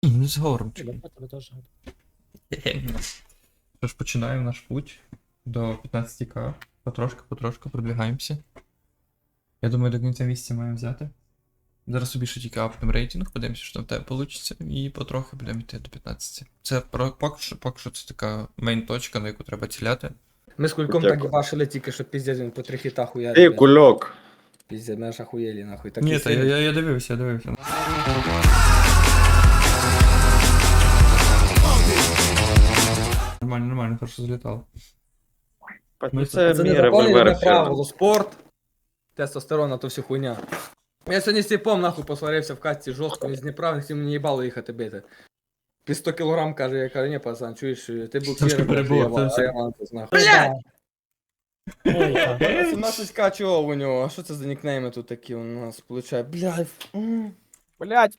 Не з гором. Тебе теж. Що ж, починаємо наш путь до 15к. Потрошку продвигаємося. Я думаю, до кінця місяця маємо взяти. Зараз собі ще тільки апнемо рейтинг, подивимося, що там в тебе вийде, і потрохи будемо йти до 15. Це поки що це така мейн-точка, на яку треба ціляти. Ми з кульком Дякую. так бачили тільки, що піздець він по 3 хіта Эй, хуярить. кульок! Піздець, ми аж охуєлі нахуй. Так Ні, та я дивився. Нормально, хорошо залітало. Ну це Це мій незаконне револьвер. правило, спорт, тестостерон, а то всю хуйня. Я сьогодні з типом нахуй посварився в катці жорстко, він з Дніпра, всім мені їбало їхати бити. Під 100 кілограм каже, я кажу, ні, пацан, чуєш, ти Трошки буксир, перебуло, це а все. я ланцес, нахуй. Блядь! Ой, так. 17к чого у нього, а що це за нікнейми тут такі у нас, получає, блядь. Блять,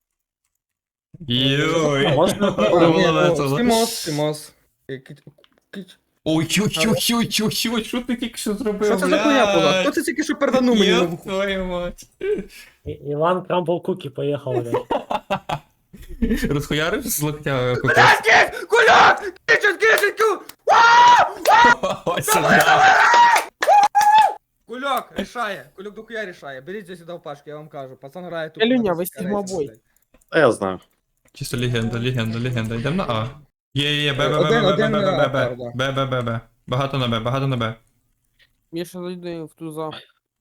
Йой! Можна Це було весело. Сімос. Ой, що ти тільки що зробив? Що це за хуйня була? Хто це тільки що перданув мені на Ёб вуху? твою мать. Іван Крамбл Кукі поїхав, блядь. Розхуярив з локтя купив? Блядь, куляк! Кичуть! Ось сюди. Кульок рішає, кульок до хуя рішає. Беріть здесь сюди в пашку, я вам кажу. Пацан грає тут. Илюня, на ви русський стігмобой. рейс, А я знаю. Чисто легенда. Йдемо на А. Є, Один на А, Б. Багато на Б. Міша зайди в туза.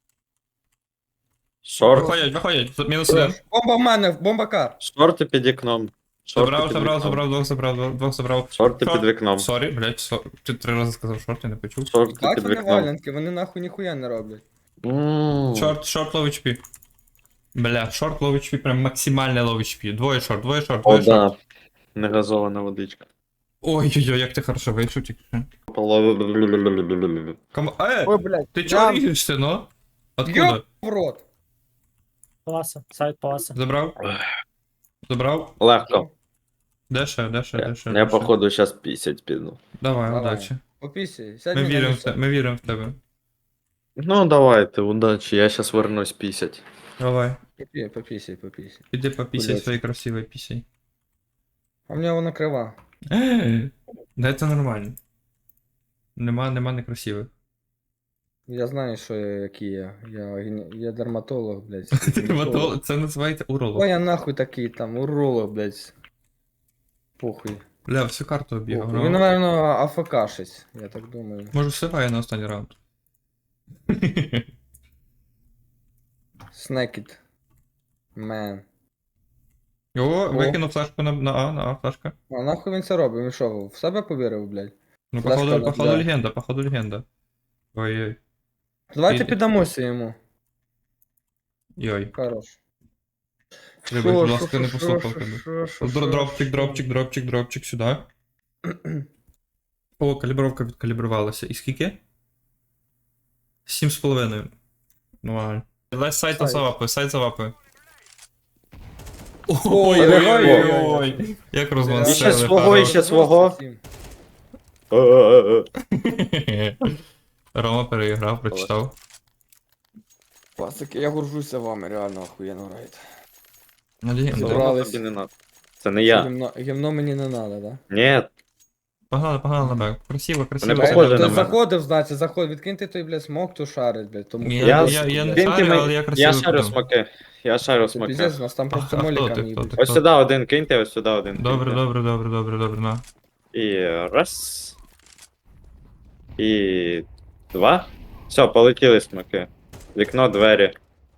Шорт. Виходять. Мінус один. блядь. Бомба в мене, бомба кар. Шорти під вікном. Забрав, двох забрав. Шорти під вікном. Сорі, блядь, ти 3 рази сказав шорт, я не почув. Шорти Так під вони вікном. валянки, вони нахуй ніхуя не роблять. Шорт low HP. Бля, шорт low HP, прям максимальне low HP. Двоє шорт. О, да. Негазована водичка. Ой-ой-ой, як ти хорошо вийшов тільки. Ой, блять. Ти чого ріжешся, ну? Откуда? Йоп в рот. Паласа, сайт паласа. Забрав? Легко. Де ще? Я походу щас 50 піду. Давай, Давай. удачі. Попісі, сядь Ми мені на віримо лицо. ми віримо в тебе. Ну давайте, удачі, я щас вернусь 50. Давай. Попісі. Іди попісяй Блядь. своєю красивою пісей. А в нього вона крива. Да це нормально. Нема некрасивих. Я знаю, що я, який я. Я дерматолог, блядь. Це називається уролог. Ой, я нахуй такий там, уролог, блядь. Похуй. Бля, всю карту обігав. Він, наверно, АФК-шись, я так думаю. Може всиває на останній раунд. Снекіт. Мен. О, викинув флешку на А, флешка. А нахуй він це робить? Він що, в себе повірив, блядь? Ну, Флешка, походу да. легенда. Ой-ой. Давайте Іди. піддамося йому. Йой. Хорош. Треба, будь ласка, Шо, не шо, послухав шо, тебе. шо, шо, шо, Дропчик сюди. О, калібровка відкалібрувалася. І скільки? 7,5. Нормально. Давай сайт завапи. Ой-ой-ой. Як І розмансили. ще свого, і ще свого. Рома переіграв, прочитав. Пацаки, я горжуся вами, реально охуєнно граєте. Легенда. Забрали. Тобі не надо. Це не я. Гімно мені не надо, да? Ні, Погнали на бек. Красиво. Вони похожі Ти на мене. заходив, значить, відкиньте той, блядь, смок, то шарить, блядь. Тому Я не Киньте шарю, але я красиво. я шарю подумав. смаки. Я шарю Це смаки. піздець, у нас там просто А хто моліками ти, їбуть. Ось сюди один киньте, ось сюди один. Добре, киньте. на. І раз. І два. Все, полетіли смаки. Вікно, двері.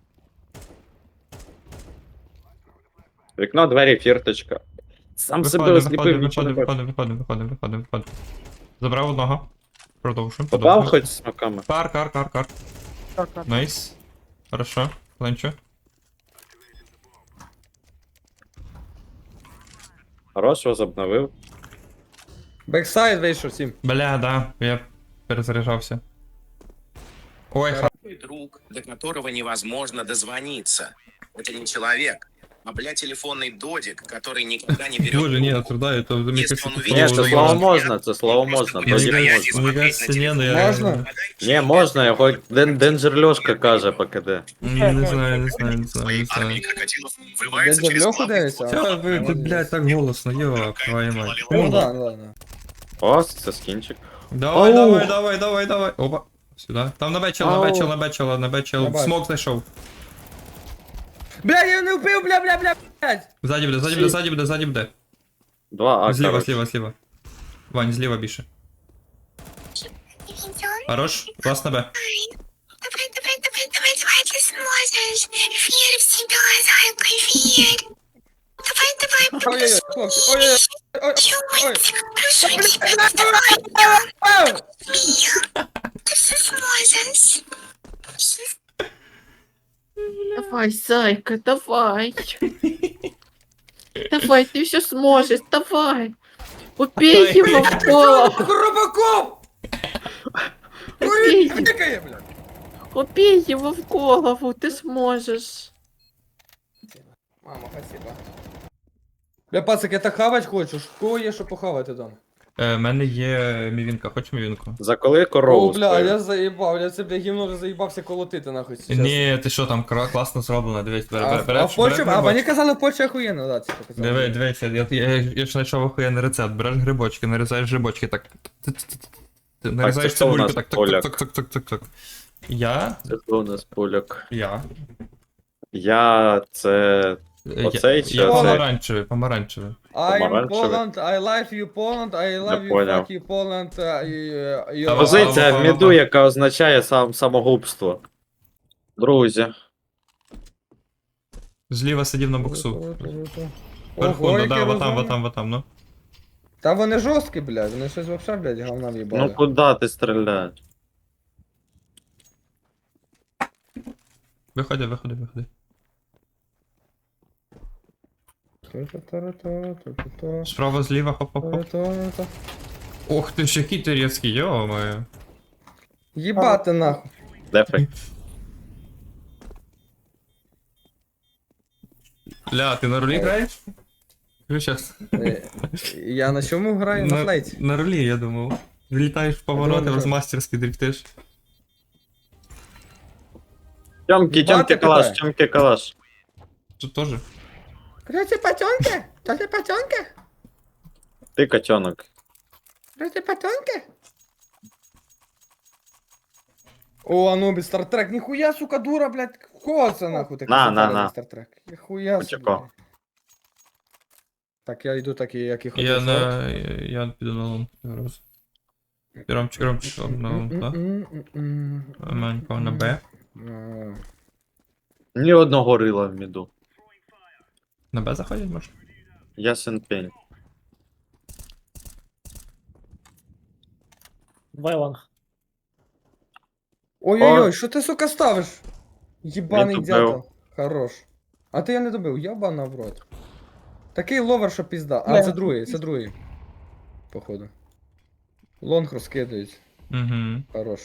Вікно, двері, фірточка. Сам себе осліпив, нічого не бачу. Виходимо. Забрав одного. Продовжуємо. Попав хоч смаками? Кар. Найс. Хорошо. Ленчо. Хорош, возобновив. Бексайд вийшов 7. Бля, да. Я перезаряжався. Ой, Друг, до которого невозможно дозвониться. Это не человек, бля, телефонный додик, который никогда не берет Боже, ні, трубку. осуждаю, то мені Если кажется, он це увидит, Ні, что це я слово уже можна, це слово можна. Просто Додік стоять можна. и Мені смотреть кажется, на ні, ну телефон. я... Можна? Ні, можна, його Денджер Льошка каже по КД. Не знаю, не знаю, не знаю, Своей не знаю. армией крокодилов врывается Дядя через Льоху главный дивишся? вход. Чё вы, блядь, так голосно, ёб твою мать. Ну да, ну ладно. О, це скінчик. Давай, Ау. давай, давай, давай, давай. Опа. Сюда. Там на бечел, на Ау. бечел, на бечел, на Я бечел. бачу. Смок знайшов. Бля, я не вбив, бля. Ззаді буде, ззаді буде, ззаді буде, ззаді буде. Два А, Зліва, коротше. зліва, зліва. Вань, зліва більше. Хорош, раз на Б. Давай, ты сможешь. Верь в себя, зайка, верь. Давай, Ой-ой-ой, хлопці, ой-ой-ой. Ой, прошу тебя, давай, ой. ты все сможешь. Давай, зайка, давай. Давай, ты все сможешь, давай. Убей его в голову, Хробаков! убей, Ой, тикає, бля. убей его в голову, ты сможешь. Мама, спасибо. Бля, пацик, я так хавать хочу. В кого є, що похавати там? В мене є мівінка, хочеш мівінку? За коли О, корову бля, спою? я заїбав, я це, бля, гівно вже заїбався колотити нахуй сейчас. Ні, ти що там, класно зроблено, дивись, А в Польщі, а мені казали, в Польщі охуєнно, да, це показали. Дивись, я ж знайшов охуєнний рецепт. Береш грибочки, нарізаєш грибочки, так. Ти нарізаєш це хто у цибульку, нас так, поляк? так. Я? Це хто у нас поляк? Я. Я це. Оцей чи Я оцей? помаранчевий. I'm Помаранчевий. Poland, I love you Poland, I love you поняв. fuck you Poland, you... Та Позиція в міду, яка означає самогубство. Друзі. Зліва сидів на боксу. Ого, Вверху, ну яке да, розумне. вот там, ну. Та вони жорсткі, блядь, вони щось вообще, блядь, говна в'їбали. Ну куди ти стріляєш? Виходи. Справа, зліва, хоп. Ох ти ж, який ти різкий, йо-моє. Їбати нахуй. Дефай. Ля, ти на рулі граєш? Ну, щас. Я на чому граю? На флейті. На рулі, я думав. Влітаєш в повороти, думав, розмастерськи дрифтиш. Тьомки, Бати калаш, питає. тьомки, калаш. Тут теж. Крути патьонки? Крути патьонки? Ти котенок. Крути патьонки? О, Анубіс, Стартрек, ніхуя, сука, дура, блядь, кого це нахуй таке? На. Стартрек. Ніхуя собі. Почекай. блядь. Так, я йду так, як і хотів. Я піду на лон. Ромчик, на лон, так? Манько на Б. Ні одного рила в міду. На Б заходять, може? Ясен пень. Вайланг. Ой-ой-ой, що ти, сука, ставиш? Єбаний Він дятел. добив. Хорош. А ти я не добив, ябана в рот. Такий ловер, що пізда. А, Не. це другий. Походу. Лонг розкидають. Угу. Хорош.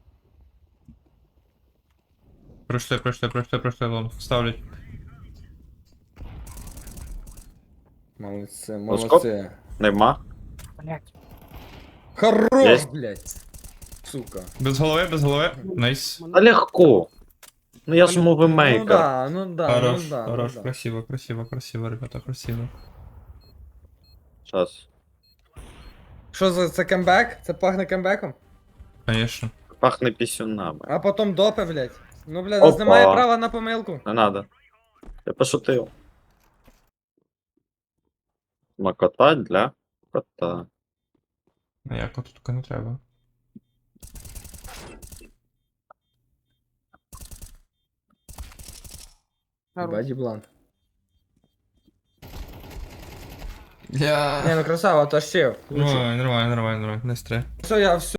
Пройшли лон. Ставлять. Молодці, Оскоп? молодці. Нема. Блять. Хорош, Єсть. блядь. Сука. Без голови. Найс. Та легко. Ну я ж Ну мувимейкер. да, ну да, Хорош, ну да. хорош, ну да. красиво, ребята, красиво. Щас. Що за це кембек? Це пахне кембеком? Конечно. Пахне пісюнами. А потім допи, блядь. Ну, блядь, Опа. нас немає права на помилку. Не надо. Я пошутив. Макота для кота. А як тут таке не треба. Баді блан. Я... Не, ну красава, то ще. Нормально, не стре. Все, я все.